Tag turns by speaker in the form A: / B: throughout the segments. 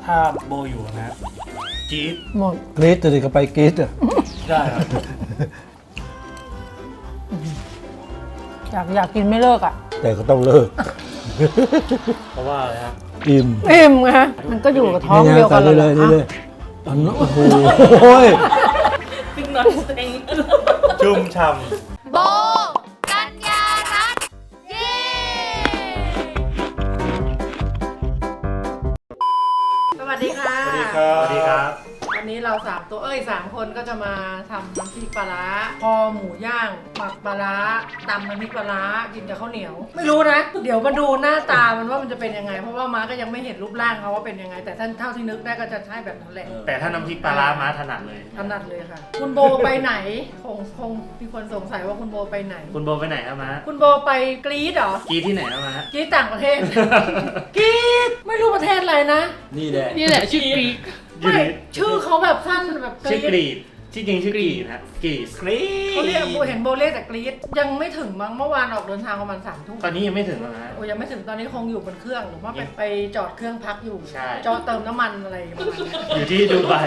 A: ถ้าโบอยู่นะจี๊ด
B: หมด
C: กรี๊ดจะก็ไปกรี๊ดอ่ะ
A: ได้ครับ
B: อยากกินไม่เลิกอ่ะ
C: แต่ก็ต้องเลิก
A: เพราะว่าอะไรครับ
C: อิ่ม
B: อิ่มไงมันก็อยู่กับท้องเดียวกัน
C: เลย
B: แหะ
C: นี่เลยอันนั้นโอ้โหย
A: ชุ่มฉ่
D: โบกัญญารัตน์เย้
E: สวัสดีค่ะ
A: ำสวัสดีครับสวัสดีครับ
E: วันนี้เรา3คนก็จะมาทำน้ำพริกปลาร้าคอหมูย่างหมักปลาร้าตำน้ำพริกปลาร้ากินกับข้าวเหนียว ไม่รู้นะ เดี๋ยวมาดูหน้าตามันว่ามันจะเป็นยังไง เพราะว่าม้าก็ยังไม่เห็นรูปร่างเขาว่าเป็นยังไง แต่ท่านเท่าที่นึกได้ก็จะใช่แบบนั้นแหละ
A: แต่ถ้าน้ำพริกปลาร้าม้าถนัดเลย
E: ถนัดเลยค่ะ คุณโบไปไหนคงมีคนสงสัยว่าคุณโบไปไหน
A: คุณโบไปไหนครับม้า
E: คุณโบไปกรีดเหรอก
A: รีดที่ไหนครับม้าก
E: รีดต่างประเทศ กรีดไม่รู้ประเทศอะไรนะ
A: นี่แหละ
B: นี่แหละชื่อกรีก
E: ไม่ชื่อเขาแบบสั้นแบบก
A: ชื่อ
E: รีด
A: กรีดที่จริงชื่อกรีดนะกรีดกรีด
E: เขาเรียกเห็นโบเล่แต่กรีดยังไม่ถึงมั้งเมื่อวานออกเดินทางประมาณ3 ทุ่ม
A: ตอนนี้ยังไม่ถึงหรอกนะ
E: โอ้ยังไม่ถึงตอนนี้คงอยู่บนเครื่องหรือว่าไปจอดเครื่องพักอยู่
A: ใช่
E: จอดเติมน้ำมันอะไรประมาณนี้
A: อยู่ที่ดูไบ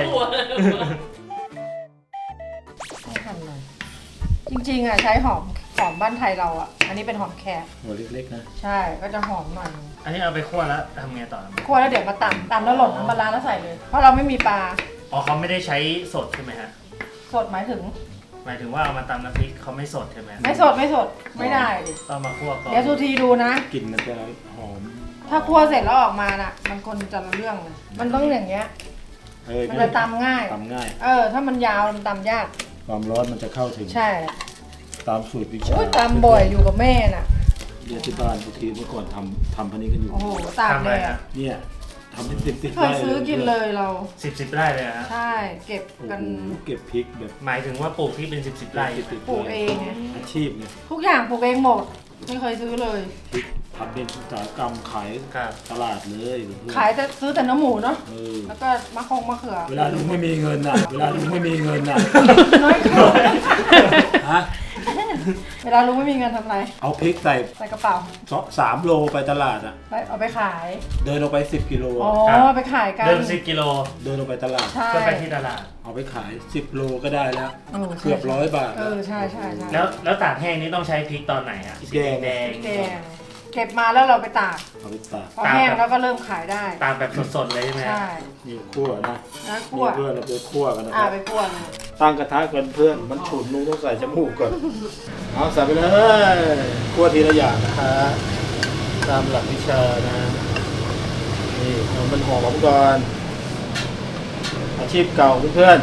E: ให้ทำหน่อยจริงๆอ่ะใช้หอมบ้านไทยเราอ่ะอันนี้เป็นหอมแขก
C: หัวเล็กๆนะ
E: ใช่ก็จะหอมหน่อย
A: อันนี้เอาไปคั่วแล้วทำไงต่อ
E: คั่วแล้วเดี๋ยวมาตำแล้วหล่นน้ำปลาร้าแล้วใส่เลย เพราะเราไม่มีปลา
A: อ๋อเขาไม่ได้ใช้สดใช่ไหมฮะ
E: สดหมายถึง
A: หมายถึงว่าเอามาตำน้ำพริกเขาไม่สดใช่ไหม
E: ไม่สดไม่ได้ดิ
A: ต้องมาคั่วก่อน
E: เดี๋ยวสุธีดูนะ
C: กลิ่นมันจะหอม
E: ถ้าคั่วเสร็จแล้วออกมาน่ะ มันคนจะละเรื่องเลยมันต้องอย่างเงี้ยมันจะตำง่าย
C: ตำง่าย
E: ถ้ามันยาวมันตำยาก
C: ความร้อนมันจะเข้าถึง
E: ใช่
C: ตามสูตรวิชา
E: อุ้ยตำบ่อยอยู่กับแม่น่ะ
C: เดี๋ยวที่บ้านทุกทีเมื่อก่อนทำพันนี้กันอยู่
E: โอ้โหตาก
A: ทำ
E: เล
A: อะไร
E: ย
A: ฮะ
E: อ่ะ
C: เนี่ยทำเป็นติด
E: เคยซื้อกินเลยเรา
A: สิบไร่เลยฮะ
E: ใช่เก็บ
C: โอ้
E: กัน
C: โหเก็บพริกแบบ
A: หมายถึงว่าปลูกที่เป็นสิบไร่
C: ติดๆ
E: ปลูกเองไง
C: อาชีพเนี่ย
E: ทุกอย่างปลูกเองหมด ไม่เคยซื้อเลย
C: พริกทำเป็นอุตสาหกรรมขาย
A: ครับ
C: ตลาดเลย
E: ขายแต่ซื้อแต่เนื้อหมูเนาะ
C: เออ
E: แล้วก็มะเขือ
C: เวลาลุงไม่มีเงินน่ะ เวลาลุงไม่มีเงินน่ะ
E: น้อยเข้า
C: ฮะ
E: เวลาลุงไม่มีเงินทำอะไร
C: เอาพริกใส่
E: ใส่กระเป๋า
C: 3 โลไปตลาดอ่ะ
E: เอาไปขาย
C: เดินออกไป10 กิโล
E: อ๋อ
C: อะ
E: ไปขายกัน
A: เดิม10 กิโล
C: เดินออกไปตลาด
E: ใช่
A: เพื่อไปที่ตลาด
C: เอาไปขาย10 โลก็ได้แล้ว
E: เออใช่
C: เกือบ100 บาท
E: ใช่ใช่
A: แล้วตากแห้งนี่ต้องใช้พริกตอนไหนอ่ะ
C: พริกแดง
A: แดง
E: แกงเก็บมาแล้วเราไปตาก
C: เอาไปตาก
E: พอแห้งแล้วก็เริ่มขายได้
A: ตากแบบสดๆเลยใช่ไหม
E: ใช่
C: นี่คั่วนะ
E: แล้ว
C: นี่
E: คั่ว
C: เพื่อนเราไปคั่วกันนะค
E: อ่า
C: รับ
E: ไปคั่วเลย
C: ตั้งกระทะกันเพื่อน มันฉุนลุงต้องใส่จมูกก่อน เอาใส่ไปเลย คั่วทีละอย่างนะฮะตามหลักวิชานะ นี่เอามันหอมก่อน อาชีพเก่าเพื่อน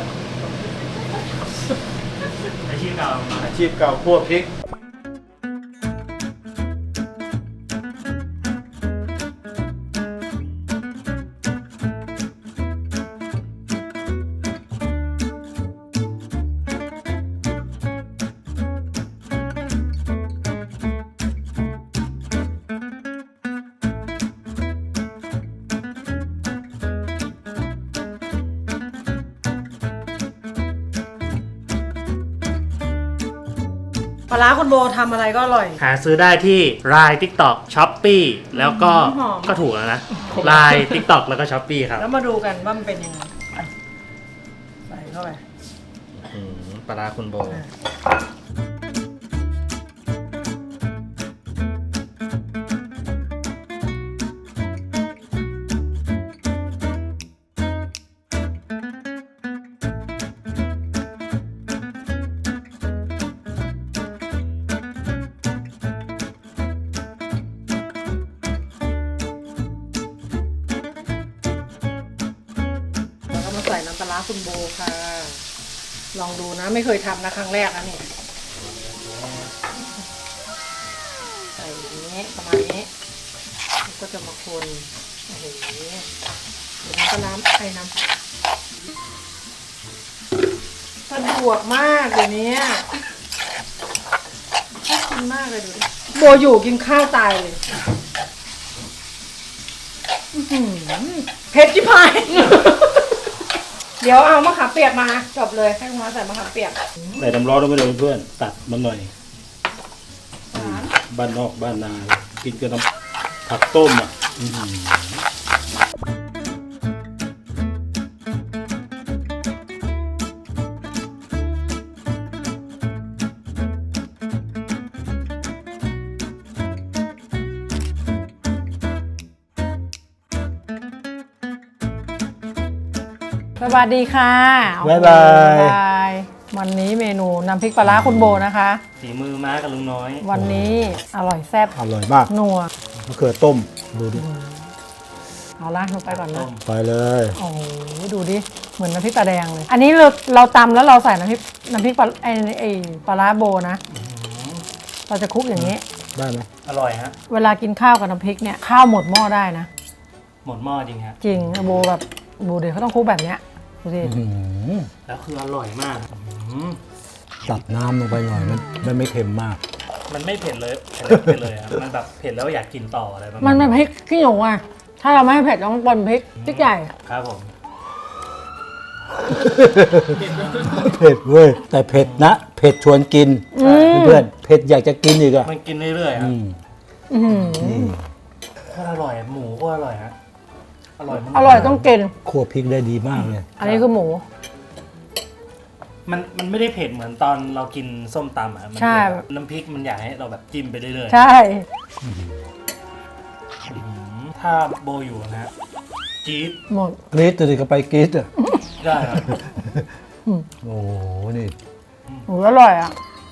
A: อาชีพเก่า
C: ๆอาชีพเก่าคั่วพริก
E: ปลาร้าคุณโบทำอะไรก็อร่อย
A: หาซื้อได้ที่ Line TikTok Shopee แล้วก็
E: หอม
A: ก็ถูกแล้วนะ Line TikTok แล้วก็ Shopee ครับ
E: แล้วมาดูกันว่ามันเป็นยังไงอ่ะใส่เข้าไป
A: ปลาร้าคุณโบ
E: แล้วก็มาใส่น้ำปลาร้าคุณโบค่ะ ลองดูนะไม่เคยทำนะครั้งแรกนะเนี่ยใส่อย่างนี้ประมาณนี้แล้วก็จะมาคนโอ้โหเดี๋ยวน้ำปลาร้าใส่น้ำสะดวกมากเดี๋ยวนี้ชอบกินมากเลยดูดิโบอยู่กินข้าวตายเลยอื้อหือเผ็ดจิ๋พาย เดี๋ยวเอามะขามเปียกมาจบเลยให้คุณมาใส่มะขามเปียก
C: ใส่น้ำร้อนลงไปเลยเพื่อน ตัดมันหน่อยบ้านนอกบ้านนา กินกับน้ำผักต้มอ่ะ
B: สวัสดีค่ะ
C: บ๊ายบาย
B: บ๊ายบายวันนี้เมนูน้ำพริกปลาร้าคุณโบนะคะ
A: ฝีมือม้ากับลุงน้อย
B: วันนี้อร่อยแซ่บ
C: อร่อยมาก
B: นัว
C: มะเขือต้มดูดิ
B: เอาละลงไปก่อนนะ
C: ไปเลย
B: โอ้โหดูดิเหมือนน้ำพริกตาแดงเลย อันนี้เราตำแล้วเราใส่น้ำพริกปลาไอ้ปลาร้าโบนะ เราจะคลุกอย่างนี้
C: ได้ไหม
A: อร่อยฮะ
B: เวลากินข้าวกับน้ำพริกเนี่ยข้าวหมดหม้อได้นะ
A: หมดหม้อจริงฮะ
B: จริงโบแบบโบเดี๋ยวเขาต้องคลุกแบบเนี้ยดูสิ
C: อื้อหือ
A: แล้วคืออร่อยมากอืม
C: ตัดน้ำลงไปหน่อยมันไม่เค็มมาก
A: มันไม่เผ็ดเลยเผ็ดเลยครับมันแบบเผ็ดแล้วอยากกินต่ออะไรประมาณ
B: มันเป็นพริกขี้หนูอ่ะถ้าเราไม่ให้เผ็ดต้องปนพริกใหญ่
A: ครับผม
C: เผ็ดเว้ยแต่เผ็ดนะเผ็ดชวนกินเพื่อนเผ็ดอยากจะกินอีกอ่ะ
A: มันกินเรื่อยๆครับ
B: อื้อหือ
C: นี่
A: โคตรอร่อยหมูก็อร่อยฮะอร่อยมาก
B: อร่อยต้องกิน
C: คั่วพริกได้ดีมากเลย
B: อันนี้คือหมู
A: มันไม่ได้เผ็ดเหมือนตอนเรากินส้มตำอ่ะมัน
B: ใช่
A: แบบน้ำพริกมันอยากให้เราแบบจิ้มไปเรื่อยๆ
B: ใช่
A: ถ้าโบอยู่นะฮะจี๊ด
B: หมด
C: กรี๊ดเลยก็ไปกรี๊ดอ่ะ
A: ได้ครับ
C: โอ้โหนี่
B: หมูอร่อยอ่ะ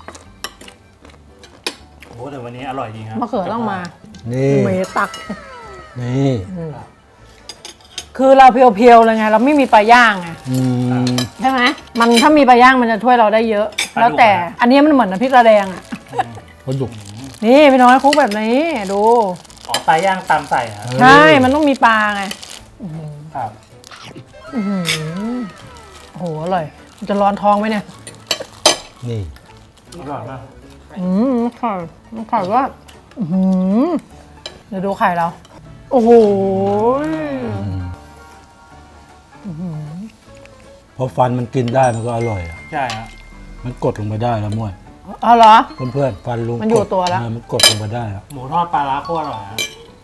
A: โอ้แต่วันนี้อร่อยจริงครับ
B: มะเขือต้องมา
C: นี่
B: เมตัก
C: นี่
B: คือเราเพียวๆเลยไง เราไม่มีปลาย่างไง
C: อืม
B: ใช่ไหมมันถ้ามีปลาย่างมันจะช่วยเราได้เยอะ แล้วแต่อันนี้มันเหมือนน้ำพริกตาแดงอ่ะ
C: ปลาดุก
B: นี่พี่น้อยคลุกแบบนี้ดู
A: อ๋อปลาย่างตำใส่ครับ
B: ใช่ มันต้องมีปลาไง
A: ครับ
B: อื้อหือโอ้โหอร่อยมันจะร้อนท้องไหมเนี่ย
C: นี่
A: อร่อยมาก
B: ไข่ว่าอื้อหือเดี๋ยวดูไข่เรา โอ้โห
C: พอฟันมันกินได้มันก็อร่อยอ่ะ
A: ใช่ครับ
C: มันกดลงไปได้แล้วมั่ว
B: เอาเหรอ
C: เพื่อนๆฟันลุง
B: มันอยู่
C: กด
B: ตัวแล้ว
C: มันกดลงไปได้แล้ว
A: หมูทอดปลาร้าโคตรอร่อยครับ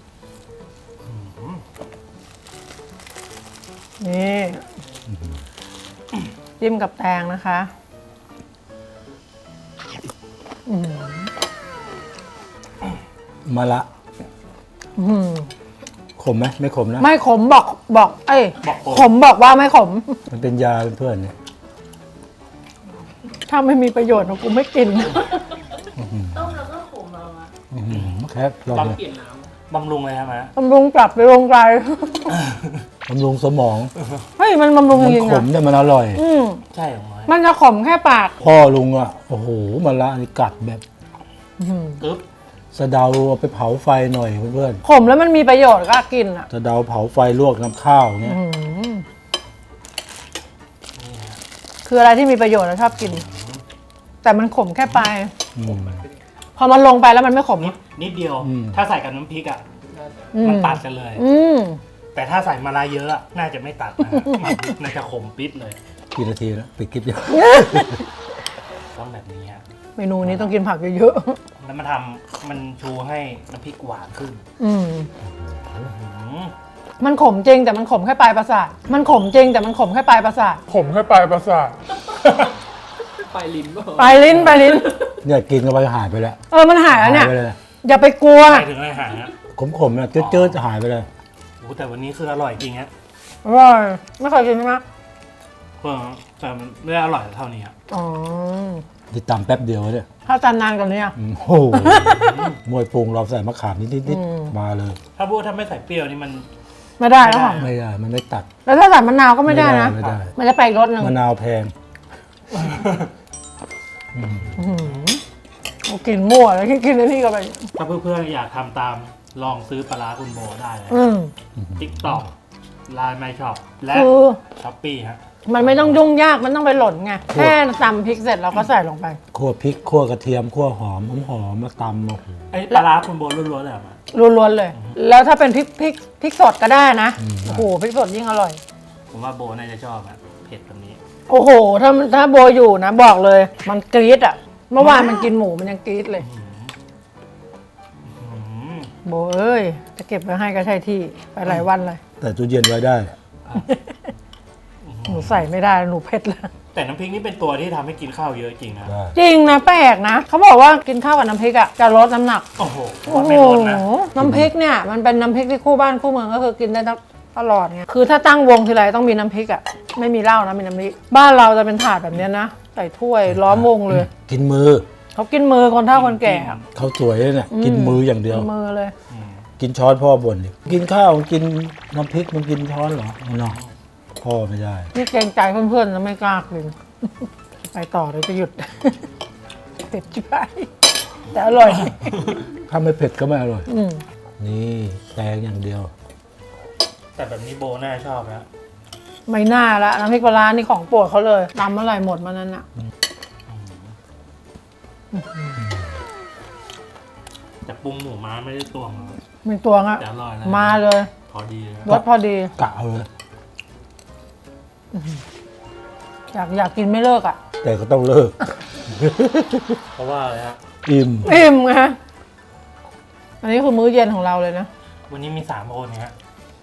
B: นี่จิ้มกับแตงนะคะอื้อหือ
C: มาละ
B: อื้อหือ
C: ขมไหมไม่ขมนะ
B: ไม่ขมบอกเอ้ย
A: บอกโป
B: ขมบอกว่าไม่ขม
C: มันเป็นยาเพื่อนๆเนี่ย
B: ถ้าไม่มีประโยชน์กูไม่กิน
C: อื้อหือแค่ลองเลย
A: บำรุงเลยครับฮะ
B: บำรุงกลับไปโรงไกล
C: บำรุงสมอง
B: เฮ้ยมันบำรุง
C: มัน
B: จริง
C: ข
B: ๆ
C: ม
B: นะ
C: เนี่ยมันอร่อย
A: ใช่ของน้อย
B: มันจะขมแค่ปาก
C: พ่อลุงอ่ะโอ้โหมาละนี่กัดแบบ
A: ปึ๊บ
C: สะเดาเอาไปเผาไฟหน่อยเพื่อน
B: ขมแล้วมันมีประโยชน์ก็กินอ่ะ
C: ๆสะเดาเผาไฟลวกน้ำข้าวเนี่ย
B: อื้อหือคืออะไรที่มีประโยชน์เราชอบกิน แต่มันขมแค่ปลาย
C: อืม
B: พอมันลงไปแล้วมันไม่ขม
A: นิดเดียว
C: อืม
A: ถ้าใส่กับน้ำพริกอ่ะ
B: อื
A: มันตัดกันเลย
B: อืม
A: แต่ถ้าใส่มาลาเยอะอะน่าจะไม่ตัดนะฮะน่าจะขมปิดเลย
C: กี่นาทีแล้วปิดคลิปยัง
A: ต้องแบบนี้ฮะ
B: เมนูนี้ต้องกินผักเยอะ
A: แล้วมันชูให้น้ำพริกหวานขึ้น
B: ๆอืม
A: อืม
B: มันขมจริงแต่มันขมแค่ปลายประสาท มันขมจริงแต่มันขมแค่ปลายประสาท
F: ผมแค่ปลายประสาท
B: ปลายลิ้นปลายลิ้น
C: เนี่ยกินกันไปหายไปแล้ว
B: มันหายแล้วเนี่ย
C: ไปเลย
B: อย่าไปกลัว
A: ไปถึงอะไรหายฮะ
C: ขมๆนะเจืดๆหายไปเลย
A: โอ้แต่วันนี้คืออร่อยจริงฮะ
B: อร่อยไม่เคยกินใช่ไหม
A: แต่มันไม่ได้อร่อยเท่านี้ครับ
B: อ๋อ
C: ที่ตำแป๊บเดียวเนี่ย
B: ถ้าจานนานกว่านี้อะ
C: โอ้โหมวยปรุงเราใส่มะขามนิด
B: อืม
C: ๆมาเลย
A: ถ้าไม่ใส่เปรี้ยวนี่มัน
B: ไม่ได้แล้วค่ะ
C: ไม่ได้มันไม่ตัด
B: แล้วถ้าใส่มะนาวก็ไม่ได้นะ
C: ไม่ได้
B: มันจะไปอีกรสหนึ่ง
C: มะนาวแพง
B: เอากินมั่วแล้วกินอันนี้ก็ไป
A: ถ้าเพื่อนๆอยากทำตามลองซื้อปลาร้าคุณโบได้เลย
B: อืม
A: ติ๊กต็อกไลน์ไมช็อปและ
B: คือ
A: ช้อปปี้ฮะ
B: มันไม่ต้องยุ่งยากมันต้องไปหล่นไงแค่ตำพริกเสร็จเราก็ใส่ลงไป
C: คั่วพริกคั่วกระเทียมคั่วหอมมาตำโอ้โห
A: ไอ้ปลาร้าคุณโบล้วนๆเลยเหรอมา
B: ล้วนๆเลย แล้วถ้าเป็นพริกสดก็ได้นะโอ้โหพริกสดยิ่งอร่อย
A: ผมว่าโบน่าจะชอบอะเผ็ดแบบนี้
B: โอ้โหถ้าโบอยู่นะบอกเลย มันกรี๊ดอ่ะเมื่อวานมันกินหมูมันยังกรี๊ดเลย
A: อืม
B: โบเอ้ยจะเก็บไว้ให้ก็ใช่ที่ไปหลายวันเลย
C: แต่ตู้เย็นไว้ได้
B: หนูใส่ไม่ได้หนูเผ็ดแล้ว
A: แต่น้ำพริกนี่เป็นตัวที่ทำให้กินข้าวเยอะจริงนะ
C: ได้
B: จริงนะแปลกนะเขาบอกว่ากินข้าวกับน้ำพริกอ่ะจะลดน้ำหนัก
A: โอ้โห
B: โอ้โห
A: ไม่ลดนะ
B: น้ำพริกเนี่ยมันเป็นน้ำพริกที่คู่บ้านคู่เมืองก็คือกินได้ทั้งตลอดไงคือถ้าตั้งวงทีไรต้องมีน้ำพริกอ่ะไม่มีเหล้านะมีน้ำพริกบ้านเราจะเป็นถาดแบบเนี้ยนะใส่ถ้วยล้อมวงเลย
C: กินมือ
B: เขากินมือคนเฒ่าคนแก่อะ
C: เขาสวยเลยเนี่ยกินมืออย่างเดียว
B: กินมือเลย
C: กินช้อนพ่อบ่นดิกินข้าวกินน้ำพริกมันกินช้อนเหรอเนาะพ่อไม่ได้
B: นี่เกรงใจเพื่อนๆนะไม่กล้ากิน ไปต่อเลยจะหยุด เผ็ดชิบหายแต่อร่อย
C: ถ้าไม่เผ็ดก็ไม่อร่อย
B: อืม
C: นี่แตงอย่างเดียว
A: แต่แบบนี้โบน่าชอบนะ
B: ไม่น่าละน้ำพริกปลาร้านี่ของโปรดเขาเลยตำเมื่อไหร่หมดมานั้นอ่ะ
A: แต่ปรุงหมูม้าไม่ได้ตวงเลย
B: มีตัวงอ่ะ
A: แต่อร่อยนะ
B: มาเลย
A: พอดีเลย
B: รสพอดี
C: กะเอาเลย
B: อยากกินไม่เลิกอ่ะ
C: แต่ก็ต้องเลิก
A: เพราะว่าอะไรฮะ
C: อิ่ม
B: อิ่มไงอันนี้คือมื้อเย็นของเราเลยนะ
A: วันนี้มี3 คนฮะ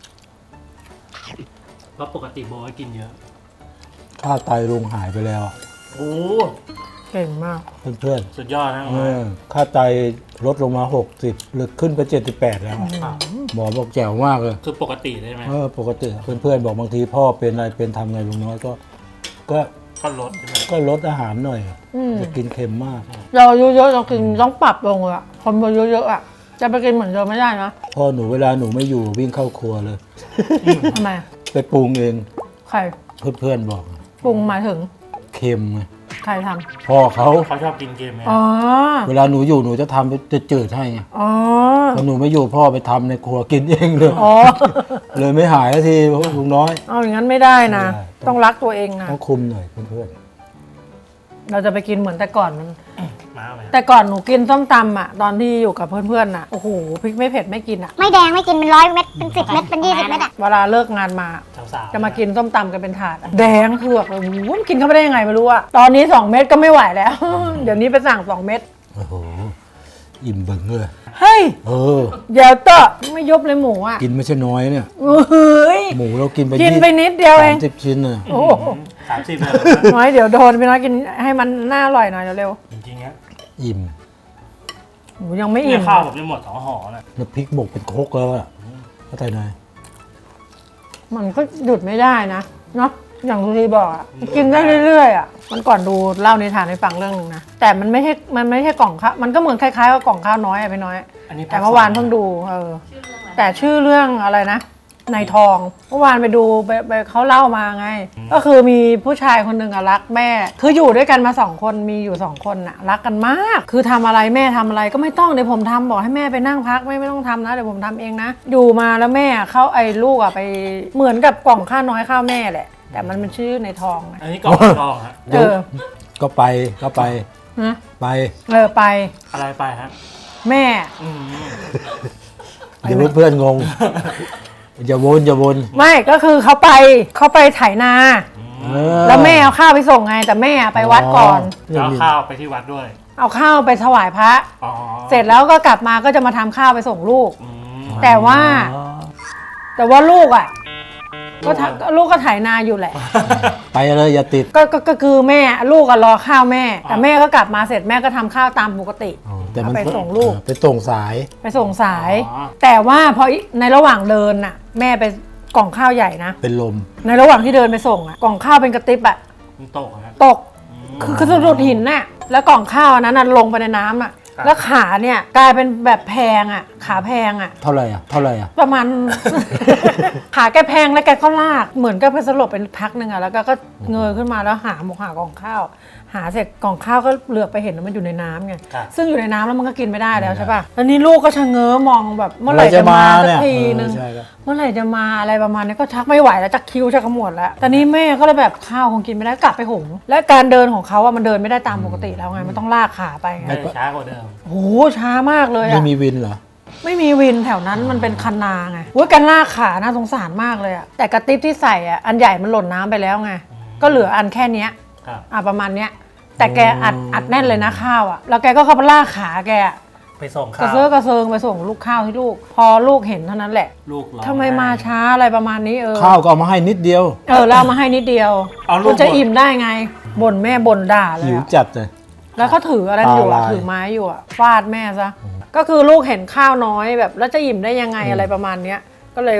A: เพราะปกติโบให้กินเยอะ
C: ค่าไตลุงหายไปแล้วอะ
A: โอ้
B: เก่งมาก
C: เพื่อน
A: สุดยอดนะ
C: ๆค่าไตลดลงมา60หรือขึ้นไป78แล้วอะ
A: ครับ
C: หมอบอกแจ๋วมากเลย
A: คือปกติได้ไหม
C: ปกติเพื่อนๆบอกบางทีพ่อเป็นอะไรเป็นทำไงลุงน้อยก็
A: ก็ลดใช่ไหม
C: ก็ลดอาหารหน่อย
B: อืม
C: จะกินเค็มมาก
B: เราอายุเยอะเรากินต้องปรับลงเลยอะคนอายุเยอะอะจะไปกินเหมือนเดิมไม่ได้นะ
C: พ่อหนูเวลาหนูไม่อยู่วิ่งเข้าครัวเลย
B: ทำไม
C: ไปปรุงเอง
B: ใคร
C: เพื่อนๆบอก
B: ปรุงหมายถึง
C: เค็มไง
B: ใครท
C: พ่อเขา
A: เขาชอบกินเกมไหม
B: ำอ๋อ
C: เวลาหนูอยู่หนูจะทำจะจืดให้ไง
B: อ๋อ
C: พอหนูไม่อยู่พ่อไปทำในครัวกินเองเลย
B: อ๋อ
C: เลยไม่หายสักทีเพราะลุงน้อย
B: เอาอย่างนั้นไม่ได้นะ
C: ไม่ได้
B: ต้องรักตัวเองนะ
C: ต้องคุมหน่อยเพื่อน
B: เราจะไปกินเหมือนแต่ก่อนมัน
A: ม้าไหม
B: แต่ก่อนหนูกินส้มตำอะตอนที่อยู่กับเพื่อนๆน่ะ โอ้โห พริกไม่เผ็ดไม่กินอะ
D: ไม่แดงไม่กินเป็น100 เม็ดเป็น10 เม็ดเป็น20 เม็ดอ่ะ
B: เวลาเลิกงานมา
A: สาวๆ
B: จะมากินส้มตำกันเป็นถาดอะแดงเถือกเลยโอ้โหมันกินเข้าไปได้ยังไงไม่รู้อะตอนนี้ 2 เม็ดก็ไม่ไหวแล้ว เดี๋ยวนี้ไปสั่ง 2 เม็ด
C: ๆโอ้โหอิ่มเบิ่งเลย
B: เฮ้ย
C: อ
B: เดี๋ยวเตอะไม่ยุบเลยหมูอะ
C: กินไม่ใช่น้อยเนี่ย
B: เฮ้ย
C: หมูเรากินไป
B: กินไปนิดเดียวเอง
C: 30 ชิ้นน่ะ
B: โอ้โห
A: 30เลย
B: น้อยเดี๋ยวโดนไปน้อยกินให้มันน่าอร่อยหน่อยเร็ว
A: จริงๆฮะ
C: อิ่ม
B: ๆหมูยังไม่
A: เนี่
B: อิ่
A: ย
B: ม
A: ข้าวผมจะหมด2 ห่อนะ
C: น้ำพริกบกเป็นโคกแล้วอ่ะเข้าใจไหม
B: มันก็หยุดไม่ได้นะเนาะอย่างทุกทีบอกอะกินได้เรื่อยๆอะมันก่อนดูเล่านิทานให้ฟังเรื่องนึงนะแต่มันไม่ใช่กล่องข้าวมันก็เหมือนคล้ายๆกับกล่องข้าวน้อยอะพี่น้อย
A: อันนี้
B: แต่เมื่อวานเพิ่งดูแต่ชื่อเรื่องอะไรนะในทองเมื่อวานไปดูไปเขาเล่ามาไง ก็คือมีผู้ชายคนหนึ่งอะรักแม่ คืออยู่ด้วยกันมา2 คนมีอยู่2 คนอะรักกันมาก คือทำอะไรแม่ทำอะไรก็ไม่ต้องเดี๋ยวผมทำบอกให้แม่ไปนั่งพักไม่ต้องทำนะเดี๋ยวผมทำเองนะอยู่มาแล้วแม่เขาไอ้ลูกอะไปเหมือนกับกล่องข้าวน้อยข้าวแม่แหละ แต่มันเป็นชื่อในทองนะ
A: อันนี้กล่องทองฮะ
B: เออ
C: ก็ไป
B: นะ
C: ไป
B: ไป
A: อะไรไปฮะ
B: แม่
A: อืม
C: เดี๋ยวเพื่อนๆงง อย่าวน
B: ไม่ก็คือเขาไปไถนา แล้วแม่เอาข้าวไปส่งไงแต่แม่ไปวัดก่อน
A: จะเอาข้าวไปที่วัดด้วย
B: เอาข้าวไปถวายพระ
A: อ๋อ
B: เสร็จแล้วก็กลับมาก็จะมาทำข้าวไปส่งลูก
A: อืม
B: แต่ว่าลูกอ่ะลูกก็ไถนาอยู่แหละ
C: ไปเลยอย่าติด
B: ก็คือแม่ลูกก็รอข้าวแม่ แต่แม่ก็กลับมาเสร็จแม่ก็ทำข้าวตามปกติ
C: แต่มัน
B: ไปส่งลูก
C: ไปส่งสาย
B: ไปส่งสาย แต่ว่าพอในระหว่างเดินน่ะ แม่ไปกล่องข้าวใหญ่นะ
C: เป็นลม
B: ในระหว่างที่เดินไปส่งอ่ะกล่องข้าวเป็นกระติบอ่ะ
A: มันตกฮะ
B: ตก คือสะดุดหินน่ะ แล้วกล่องข้าวอันนั้นน่ะลงไปในน้ำอ่ะ
A: ครับ
B: แล้วขาเนี่ยกลายเป็นแบบแพงอ่ะ ขาแพงอ่ะ
C: เท่าไหร่อ่ะ
B: ประมาณ ขาแกแพงแล้วแกก็ลาก เหมือนกับไปสลบเป็นพักหนึ่งอ่ะ แล้วก็เงยขึ้นมาแล้วหากล่องข้าว หาเสร็จกล่องข้าวก็เหลือบไปเห็นว่ามันอยู่ในน้ำไง
A: ครับ
B: ซึ่งอยู่ในน้ำแล้วมันก็กินไม่ได้แล้วใช่ป่ะ แล้วนี่ลูกก็ชะเง้อมองแบบเมื่อไหร่
C: เมื่อไหร่
B: จะ
C: จะ
B: มา
C: มา
B: สัก
C: เนี่ย
B: ทีนึง
C: ใช่ครับ
B: เมื่อไหร่จะมาอะไรประมาณนี้ก็ชักไม่ไหวแล้วชักคิ้วชักขมวดแล้วตอนนี้แม่ก็เลยแบบข้าวคงกินไม่ได้กลับไปหุงและการเดินของเขาอะมันเดินไม่ได้ตามปกติแล้วไงมันต้องลากขาไปไง
A: ไม่ช้ากว่าเดิม
B: โอ้โหช้ามากเลย
C: ไม่
B: อะ
C: มีวินเหรอ
B: ไม่มีวินแถวนั้นมันเป็นคันนาไงว่าการลากขาน่าสงสารมากเลยอะแต่กระติบที่ใส่อะอันใหญ่มันหล่นน้ำไปแล้วไงก็เหลืออันแค่เนี้ย
A: ครับ
B: ประมาณเนี้ยแต่แกอัดแน่นเลยนะข้าวอะแล้วแกก็เข้าไปลากขาแกอะ
A: ไปส่ง
B: ก
A: ข้า
B: ระ
A: ว
B: เซาะกระเซิงไปส่งลูกข้าวให้ลูก พอลูกเห็นเท่านั้นแหละ
A: ลูกร้อง
B: ทำไมมาช้าอะไรประมาณนี้เออ
C: ข้าวก็เอามาให้นิดเดียว
B: แล้วเอามาให้นิดเดียว
A: เอาลูก
B: คุณจะอิ่มได้ไงบ่นแม่บ่นด่าเลย
C: หิว
B: อะ
C: จัดเลย
B: แล้วเขาถืออะไรอยู่อะ
C: ตาลาย
B: ถือไม้อยู่อะฟาดแม่ซะก็คือลูกเห็นข้าวน้อยแบบแล้วจะอิ่มได้ยังไงอะไรประมาณเนี้ยก็เลยเผ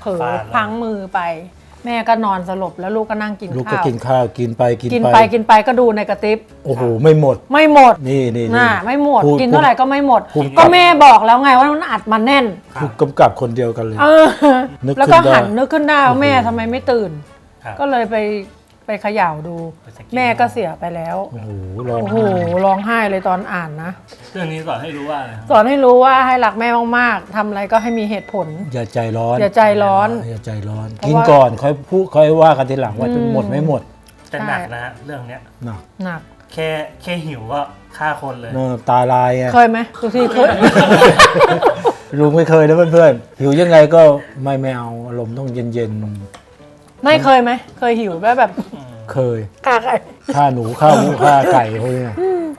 B: ผลอ
A: ฟาดเลย
B: พลั้งมือไป แม่ก็นอนสลบแล้วลูกก็นั่งกิน
C: ลูกก็
B: ข้าว
C: กินข้าวกินไป
B: กินไปก็ดูในกระติบ
C: โอ้โหไม่หมด
B: ไม่หมด
C: นี่นี่
B: น่ะไม่หมด
C: พู
B: กินเท่าไหร่ก็ไม่หมด
C: ภูมิ
B: ก็แม่บอกแล้วไงว่ามันอัดมาแน่น
C: ผู้กำกับคนเดียวกันเลย
B: เออ
C: นึกขึ้น
B: แล้วก็
C: ได้
B: หันนึกขึ้นได้ว่า
C: โอ้โห
B: แม่ทำไมไม่ตื่น
A: ครับ
B: ก็เลยไปเขย่าดู
A: ไปสะกิด
B: แม่ก็เสียไปแล้ว
C: โอ้โหร้อง
B: โอ้โห
C: ไห้
B: ร้องไห้เลยตอนอ่านนะ
A: เรื่องนี้สอนให้รู้ว่าอะไรครับ
B: สอนให้รู้ว่าให้รักแม่มากๆทำอะไรก็ให้มีเหตุผล
C: อย่าใจร้อน
B: อย่าใจร้อน
C: อย่าใจร้อน
B: เพราะ
C: กิน
B: ว่า
C: ก่อนค่อยพูดค่อยว่ากันทีหลังว่าจะหมดไม่หมด
A: แต่หนักนะฮะเรื่องเนี้ย
C: หนัก
B: หนัก
A: แค่หิวก็ฆ่าคนเลย
C: ตาลายไง
B: เคยไหมทุกทีเคย
C: ลุงไม่เคยนะเพื่อนๆหิวยังไงก็ไม่เอาอารมณ์ต้องเย็น
B: ไม่เคยไหมเคยหิวแบบ
C: ๆเคย
B: กาไก่
C: ฆ่าหนูฆ่าหมูฆ่าไก่พวกเนี้ย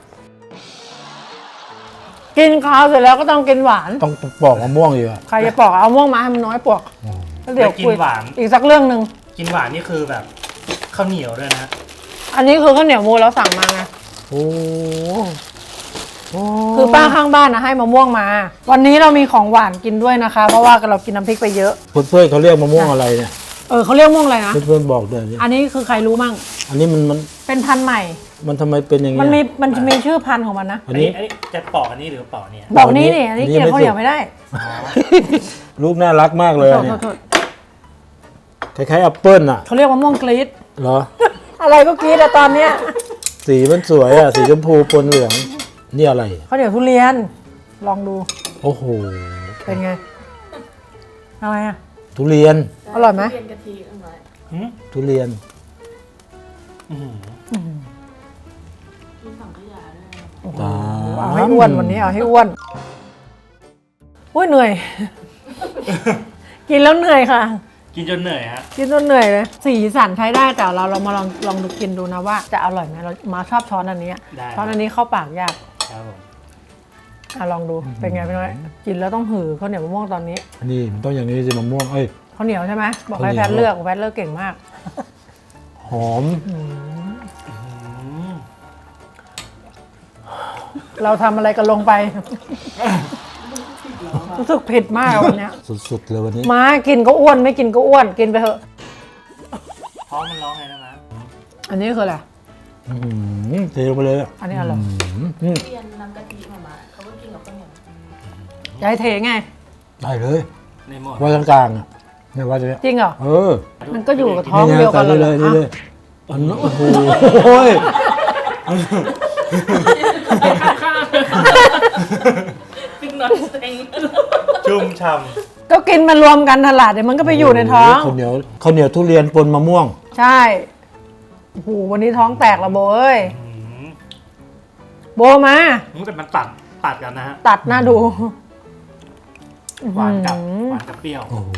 B: กินข้าวเสร็จแล้วก็ต้องกินหวาน
C: ต้องปอกมะม่วงอยู่อะ
B: ใครจะปอกเอาม่วงมาให้มันน้อยปอกแล้วเดี๋ยว
A: แล้วกิน
B: คุย
A: หวาน
B: อีกสักเรื่องหนึ่ง
A: กินหวานนี่คือแบบข้าวเหนียวด้วยนะ
B: อันนี้คือข้าวเหนียวมูเราสั่งมาไง
C: โอ้โอ้
B: คือป้าข้างบ้านนะให้มะม่วงมา วันนี้เรามีของหวานกินด้วยนะคะ เพราะว่าเรากินน้ำพริกไปเยอะ
C: เพื่อนๆเขาเรียกมะม่วงอะไรเนี่ย
B: เขาเรียกม่วงอะไรนะ
C: เพื่อนๆบอกด้วยดิ
B: อันนี้คือใครรู้มั่ง
C: อันนี้มัน
B: เป็นพันธุ์ใหม่
C: มันทำไมเป็นอย่าง
B: มัน
C: เงี้ย
B: มันจะมีชื่อพันธุ์ของมันนะ
C: อันนี้
A: อันนี้จะปอกอันนี้หรือปอกเนี่ย
B: บอกนี่นี่อันนี้
C: อันนี้
B: กิน
C: ไม่
B: ข้าวเหนียว
C: สุก
B: ไม่ได้
C: ลูกน่ารักมากเลย
B: โท
C: อั
B: ษ
C: น
B: โท
C: เนี่
B: ษ
C: ย
B: โทษ
C: คล้ายๆแอปเปิ้ลอ่ะ
B: เขาเรียกมะม่วงกรีด
C: เหรอ
B: อะไรก็กรีดอะตอนเนี้ย
C: สีมันสวยอ่ะ สีชมพูปนเหลือง นี่อะไร
B: ข้าวเหนียวทุเรียน ลองดู
C: โอ้โห
B: เป็นไงอะไรอะ
C: ทุเรียน
B: อร่อยไหม
A: หืม
C: ทุเรียน
A: อื้อหือ
B: เอาให้อ้วนวันนี้เอาให้อ้วนอุ้ยเหนื่อย กินแล้วเหนื่อยค่ะ
A: กินจนเหนื่อยฮะ
B: กินจนเหนื่อยเลยสีสันใช้ได้แต่เรามาลองดูกินดูนะว่าจะอร่อยไหมเรามาชอบช้อนอันนี้
A: ได้
B: ช้อนอันนี้เข้าปากยาก
A: ครับผม
B: ลองดูเป็นไงพี่น้อยกินแล้วต้องหือข้าวเหนียวมะม่วงตอนนี้
C: นี่มันต้องอย่างนี้สิมะม่วง เอ้ย
B: ข้าวเหนียวใช่ไหมบอกให้
C: ข้าวเหนี
B: แพ
C: ยว
B: ทย์เลือกแพทย์เลือกเก่งมาก
C: หอม
A: อืม
B: เราทำอะไรกันลงไป รู้สึกผิดมากวันเนี้ย
C: สุดๆเลยวันนี้
B: ม้ากินก็อ้วนไม่กินก็อ้วนกินไปเถอะ
A: ท้องมันร้องไงนะมะ
B: อันนี้คืออะไร
C: เทลงไปเลยอ่ะ
B: อันนี้อะไร
C: อืม
D: เรียนน้ำกะทิมาเขาก็กินกับข้าวเหนียว
B: ยายเทไง
C: ได้เลย
A: ในหมด
C: ไว้กลางๆอ่ะเนี่ยว่าจะเนี่ย
B: จริงเหรอ
C: เออ
B: มันก็อยู่กับท้องเดียวกัน
C: นี่
B: เลย
C: นี่
B: เหรอ
C: เลยอันนั้นโอ้โหโอ้ย
A: ชุ่มฉ่
B: ก็กินมารวมกันตลาดเดี๋ยวมันก็ไปอยู่ในท้อง
C: ข้าวเหนียวทุเรียนปนมะม่วง
B: ใช่โอ้โหวันนี้ท้องแตกละโบเอ้ย
A: ำอื้อหือ
B: โบมา
A: แต่มันตัดกันนะฮะ
B: ตัดหน้าดู
A: หวานกับ
B: อื้อหือ
A: หวานกับเปรี้ยว
C: โอ้โห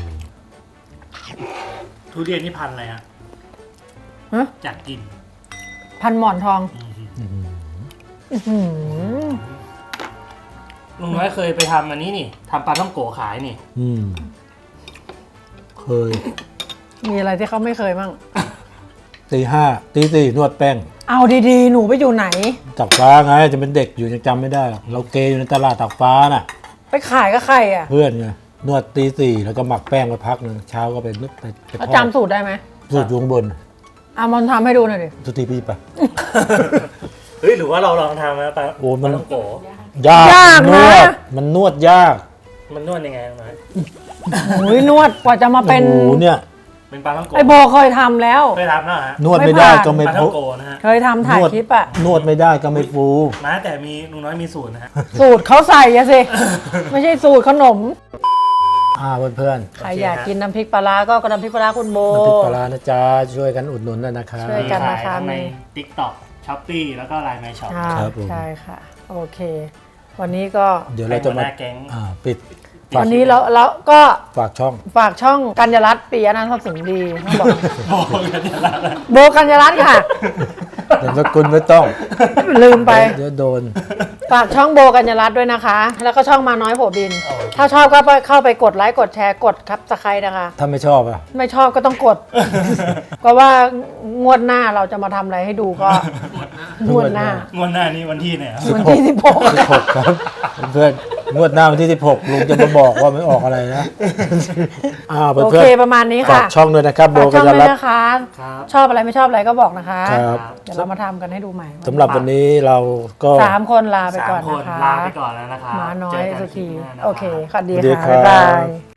A: ทุเรียนนี่พันธุ์อะไรฮะ
B: ฮะ
A: อยากกิน
B: พันหมอนทอง
A: อื้อหือ
B: อื้อหือ
A: ลุงน้อยเคยไปทำอันนี้นี่ทำปลาท่องโกขายนี่
C: เคย
B: มีอะไรที่เขาไม่เคยมั่ง
C: ตีห้าตีสี่นวดแป้ง
B: เอาดีๆ หนูไปอยู่ไหน
C: ตักฟ้าไงจะเป็นเด็กอยู่ยังจำไม่ได้หรอกเราเกยอยู่ในตลาดตักฟ้าน่ะ
B: ไปขายกับใครอ่ะ
C: เพื่อนไงนวดตีสี่แล้วก็หมักแป้งไปพักหนึ่งเช้าก็ไปนึกไป
B: แล้ว
C: ทอด
B: จำสูตรได้ไหม
C: สูตรอยู่ข้างบน
B: เอามันทำให้ดูหน่อยดิ
C: สุตีปีไป
A: เฮ้ยหรือว่าเราลองทำนะปลา
C: โอ้มัน
A: ท่องโก
C: ยาก
B: ยาก
C: น
B: นะ
C: วดมันนวดยาก
A: มันนวดยังไงลุงน้อย
B: โอ้ยนวดกว่าจะมาเป็น
C: โอ้โหเนี่ย
A: เป็นปลาท่องโก
B: ไอโบเคยทำแล้ว
A: เคยทำแล้วเหรอฮะ
C: นวดไม่ได้
B: ไม่ผ่าน
C: ก็ไม่
A: ปลาท่องโกนะฮะ
B: เคยทำถ่ายคลิปอ่ะ
C: นวดไม่ได้ก็ไม่ฟู
A: มาแต่มีลุงน้อยมีสูตรนะฮะ
B: สูตรเขาใส่อะสิ ไม่ใช่สูตรขนม
C: เพื่อน
B: ใครอยากกินน้ำพริกปลาร้าก็น้ำพริกปลาร้าคุณโบ
C: ๆน้ำพริกปลาร้านะจ๊ะช่วยกันอุดหนุนด้วยนะครับ
B: ช่วยกัน
A: ขายทั้งใน TikTok Shopee แล้วก็ Line My Shop
B: ใช่
C: ครับผม
B: ใช่ค่ะ โอเค วันนี้ก็
C: เดี๋ยวเราจะมา
A: ให้หัวหน้าแก๊ง
C: ปิด
B: วันนี้เราก็
C: ฝากช่อง
B: ฝากช่องกัญญารัตน์ปิยะนันท์ทรัพย์สินดีต้องบอก
A: บอกกันอย่างนั้น
B: โบกัญญารัตน์ค่ะ
C: นามสกุลไม่ต้อง
B: ลืมไป
C: เดี๋ยวโดน
B: ฝากช่องโบกัญญารัตน์ด้วยนะคะ แล้วก็ช่องมาน้อยโผบิน ถ้าชอบก็เข้าไปกดไลค์กดแชร์กดครับสไครต์นะคะ
C: ถ้าไม่ชอบอ่ะ
B: ไม่ชอบก็ต้องกด ก็ว่างวดหน้าเราจะมาทำอะไรให้ดูก็ งวดหน้า
A: งวดหน้านี้วันที่ไหนครับ
B: วันที่16
C: 16ครับเพื่อนงวดหน้าวันที่ 16 ลุงจะมาบอกว่าไม่ออกอะไรนะเพื่
B: โอ
C: อน
B: เคประมาณนี้
C: ๆฝา
B: ค่ะ
C: กช่องด้วยนะครับโบ
B: ฝาก
C: กั
B: ช่อง
C: ญญา
B: ด้วย
C: รัตน์
B: นะคะ
A: ครับ
B: ชอบอะไรไม่ชอบอะไรก็บอกนะคะ
C: ครับ
B: เดี๋ยวเรามาทำกันให้ดูใหม่
C: สำหรับวันนี้เราก็
B: 3 คนลาไปก่อน
A: 3 คน
B: นะคะ
A: ลาไปก่อนแล้วนะครับ
B: หมาน้อ
A: เจ
B: ย
A: กัน
B: สุ
A: คลิ
B: ธี
A: ปหน้านะครับ
B: โอเคสวัสดี
C: สวัสดี
B: ค่ะ
C: ครับ
B: บ๊ายบาย